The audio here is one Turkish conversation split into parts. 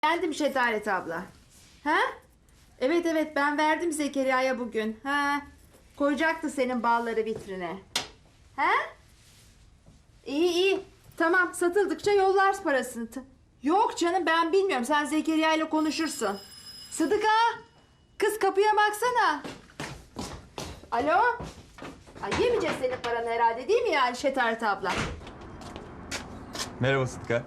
Geldim Şetaret abla. Ha? Evet evet ben verdim Zekeriya'ya bugün. Ha? Koyacaktı senin balları vitrine. Ha? İyi iyi. Tamam satıldıkça yollar parasını. Yok canım ben bilmiyorum. Sen Zekeriya ile konuşursun. Sıdıka! Kız kapıya baksana. Alo? Ay yemeyeceğiz senin paranı herhalde değil mi yani Şetaret abla? Merhaba Sıtkı.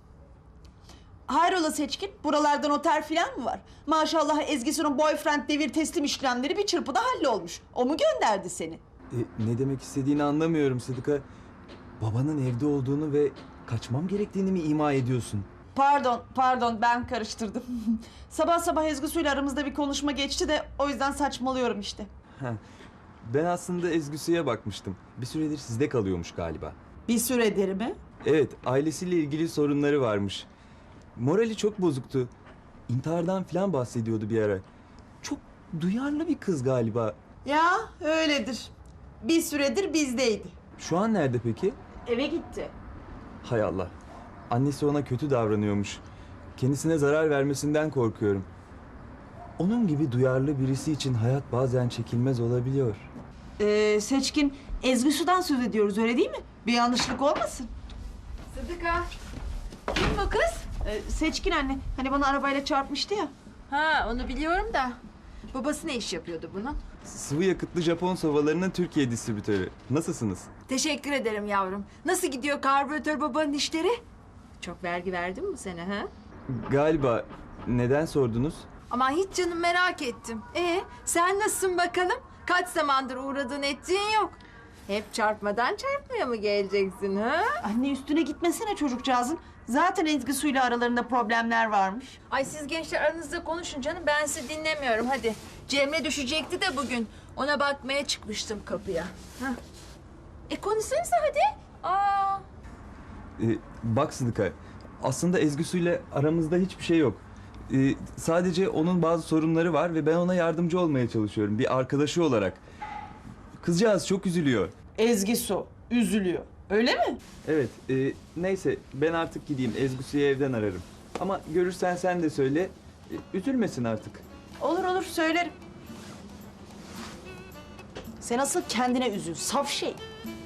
Hayrola Seçkin? Buralarda noter falan mı var? Maşallah Ezgi'nin boyfriend devir teslim işlemleri bir çırpıda hallolmuş. O mu gönderdi seni? Ne demek istediğini anlamıyorum Sıtkı. Babanın evde olduğunu ve kaçmam gerektiğini mi ima ediyorsun? Pardon ben karıştırdım. Sabah sabah Ezgi'yle aramızda bir konuşma geçti de o yüzden saçmalıyorum işte. Heh. Ben aslında Ezgüsü'ye bakmıştım. Bir süredir sizde kalıyormuş galiba. Bir süredir mi? Evet, ailesiyle ilgili sorunları varmış. Morali çok bozuktu. İntihardan falan bahsediyordu bir ara. Çok duyarlı bir kız galiba. Ya öyledir. Bir süredir bizdeydi. Şu an nerede peki? Eve gitti. Hay Allah. Annesi ona kötü davranıyormuş. Kendisine zarar vermesinden korkuyorum. Onun gibi duyarlı birisi için hayat bazen çekilmez olabiliyor. Seçkin, Ezgi'den söz ediyoruz öyle değil mi? Bir yanlışlık olmasın. Sıdıka! Kim bu kız? Seçkin anne, hani bana arabayla çarpmıştı ya. Ha onu biliyorum da. Babası ne iş yapıyordu bunun? Sıvı yakıtlı Japon sobalarının Türkiye distribütörü. Nasılsınız? Teşekkür ederim yavrum. Nasıl gidiyor karbüratör babanın işleri? Çok vergi verdin mi bu sene ha? Galiba. Neden sordunuz? Ama hiç canım merak ettim. Sen nasılsın bakalım? Kaç zamandır uğradığın ettiğin yok. Hep çarpmadan çarpmaya mı geleceksin ha? Anne üstüne gitmesene çocukcağızın. Zaten Ezgi aralarında problemler varmış. Ay siz gençler aranızda konuşun canım. Ben sizi dinlemiyorum hadi. Cemre düşecekti de bugün. Ona bakmaya çıkmıştım kapıya. Hah. Konuşsanıza hadi. Aa. Bak Sıdıka, aslında Ezgüsü'yle aramızda hiçbir şey yok. Sadece onun bazı sorunları var ve ben ona yardımcı olmaya çalışıyorum bir arkadaşı olarak. Kızcağız çok üzülüyor. Ezgi üzülüyor. Öyle mi? Evet, neyse ben artık gideyim. Ezgüsü'yü evden ararım. Ama görürsen sen de söyle, üzülmesin artık. Olur söylerim. Sen asıl kendine üzül. Saf şey.